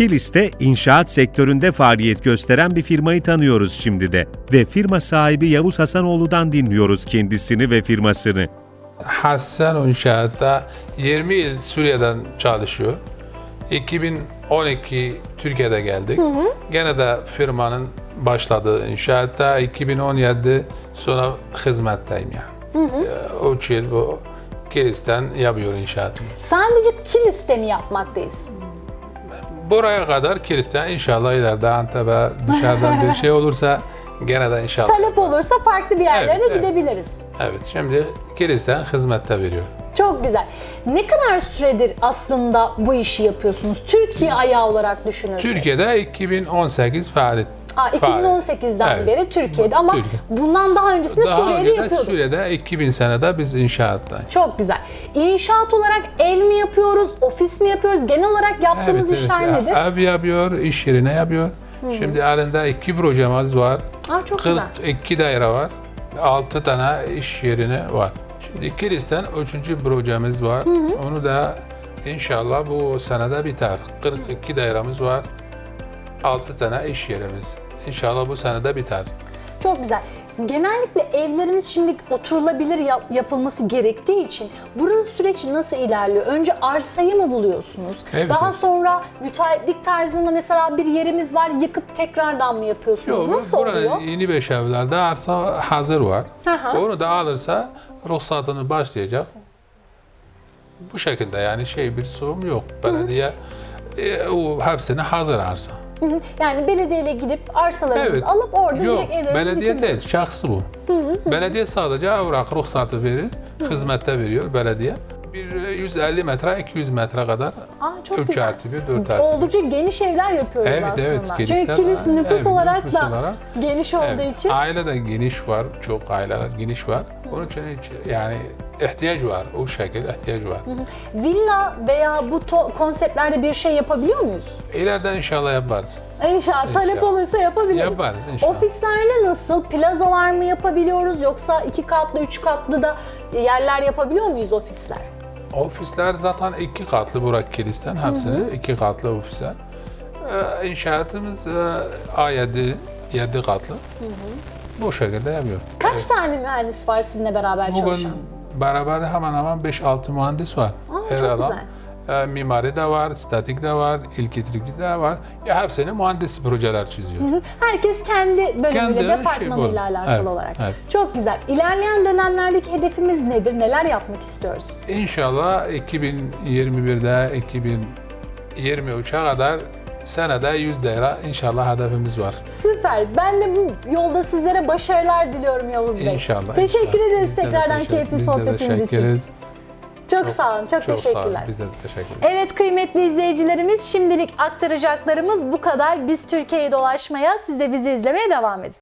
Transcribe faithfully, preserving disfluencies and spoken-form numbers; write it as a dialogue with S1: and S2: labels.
S1: Kilis'te inşaat sektöründe faaliyet gösteren bir firmayı tanıyoruz şimdi de ve firma sahibi Yavuz Hasanoğlu'dan dinliyoruz kendisini ve firmasını.
S2: Hasan İnşaat'ta yirmi yıl Suriye'den çalışıyor. iki bin on iki Türkiye'de geldik. Hı hı. Gene de firmanın başladığı inşaatta iki bin on yedi sonra hizmetteyim yani. Hı hı. O üç yıl bu Kilis'ten yapıyor inşaatımız.
S3: Sadece Kilis'te mi yapmaktayız?
S2: Buraya kadar Kilis'ten inşallah ileride Antep'e dışarıdan bir şey olursa gene de inşallah.
S3: Talep olursa farklı bir yerlere
S2: Evet,
S3: de
S2: evet.
S3: gidebiliriz.
S2: Evet, şimdi Kilis'ten hizmette veriyor.
S3: Çok güzel. Ne kadar süredir aslında bu işi yapıyorsunuz? Türkiye ayağı olarak düşünürsek.
S2: Türkiye'de iki bin on sekiz faaliyet.
S3: Aa, iki bin on sekizden
S2: Evet.
S3: beri Türkiye'de ama
S2: Türkiye.
S3: bundan daha öncesinde
S2: Daha
S3: Suriye'de
S2: önce de
S3: yapıyorduk.
S2: Suriye'de iki bin senede biz inşaattayız.
S3: Çok güzel. İnşaat olarak ev mi yapıyoruz, ofis mi yapıyoruz? Genel olarak yaptığımız
S2: Evet,
S3: işler
S2: evet.
S3: nedir?
S2: Ev yapıyor, iş yerine yapıyor. Şimdi elinde iki projemiz var.
S3: Aa, çok güzel.
S2: kırk iki daire var. altı tane iş yerine var. Şimdi Kilis'ten üçüncü projemiz var. Hı hı. Onu da inşallah bu senede biter. kırk iki dairemiz var. altı tane iş yerimiz. İnşallah bu senede biter.
S3: Çok güzel. Genellikle evlerimiz şimdi oturulabilir yap- yapılması gerektiği için burada süreç nasıl ilerliyor? Önce arsayı mı buluyorsunuz?
S2: Evet,
S3: Daha
S2: evet.
S3: sonra müteahhitlik tarzında mesela bir yerimiz var, yıkıp tekrardan mı yapıyorsunuz?
S2: Yok,
S3: nasıl
S2: buranın
S3: oluyor?
S2: yeni beş evlerde arsa hazır var.
S3: Aha.
S2: Onu da alırsa ruhsatını başlayacak. Bu şekilde yani şey bir sorun yok. Belediye e, o hepsini hazır arsa.
S3: Hı hı. Yani belediyeyle gidip arsalarımızı
S2: Evet.
S3: alıp orada
S2: Yok,
S3: direkt evlerimizi
S2: belediye
S3: dikebiliyoruz.
S2: değil, şahsı bu. Belediye sadece evrak ruhsatı verir, hizmette veriyor belediye. Bir yüz elli metre, iki yüz metre kadar
S3: Aa, çok
S2: üç
S3: güzel.
S2: artı bir, dört artı bir.
S3: Oldukça geniş evler yapıyoruz
S2: Evet,
S3: aslında.
S2: evet,
S3: Çünkü
S2: Kilis'ten-
S3: kilis nüfus
S2: evet,
S3: olarak
S2: nüfus
S3: da
S2: olarak.
S3: geniş olduğu
S2: Evet,
S3: için.
S2: aile de geniş var, çok aileler geniş var. Onun için hiç, yani ihtiyaç var, o şekilde ihtiyaç var.
S3: Villa veya bu to- konseptlerde bir şey yapabiliyor muyuz?
S2: İleride inşallah yaparız.
S3: İnşallah talep
S2: İnşallah.
S3: olursa yapabiliriz.
S2: Yaparız inşallah.
S3: Ofislerde nasıl? Plazalar mı yapabiliyoruz yoksa iki katlı, üç katlı da yerler yapabiliyor muyuz ofisler?
S2: Ofisler zaten iki katlı Burak Kilis'ten hepsini iki katlı ofisler. Ee, inşaatımız e, A yedi, yedi katlı. Hı hı. Bu şekilde yapıyor.
S3: Kaç
S2: Evet.
S3: tane mühendis var sizinle beraber
S2: Bugün
S3: çalışan?
S2: beraber hemen hemen beş altı mühendis var.
S3: Aa,
S2: Her
S3: çok
S2: adam.
S3: güzel.
S2: E, mimari de var, statik de var, elektrikli de var. Ya hepsini mühendis projeler çiziyor.
S3: Hı, Herkes kendi bölümüyle,
S2: Kendi şey
S3: departmanıyla
S2: bu.
S3: alakalı
S2: Evet,
S3: olarak.
S2: evet.
S3: Çok güzel. İlerleyen dönemlerdeki hedefimiz nedir? Neler yapmak istiyoruz?
S2: İnşallah iki bin yirmi birde iki bin yirmi üçe kadar senede yüz daire inşallah hedefimiz var.
S3: Süper. Ben de bu yolda sizlere başarılar diliyorum Yavuz Bey.
S2: İnşallah.
S3: Teşekkür
S2: inşallah.
S3: ederiz
S2: Biz de
S3: tekrardan
S2: teşekkür-
S3: keyifli
S2: biz de
S3: sohbetiniz
S2: teşekkür
S3: için.
S2: ederiz.
S3: Çok, sağ olun. Çok,
S2: Çok sağ olun.
S3: teşekkürler.
S2: Biz de teşekkür ederiz.
S3: Evet kıymetli izleyicilerimiz, şimdilik aktaracaklarımız bu kadar. Biz Türkiye'yi dolaşmaya, siz de bizi izlemeye devam edin.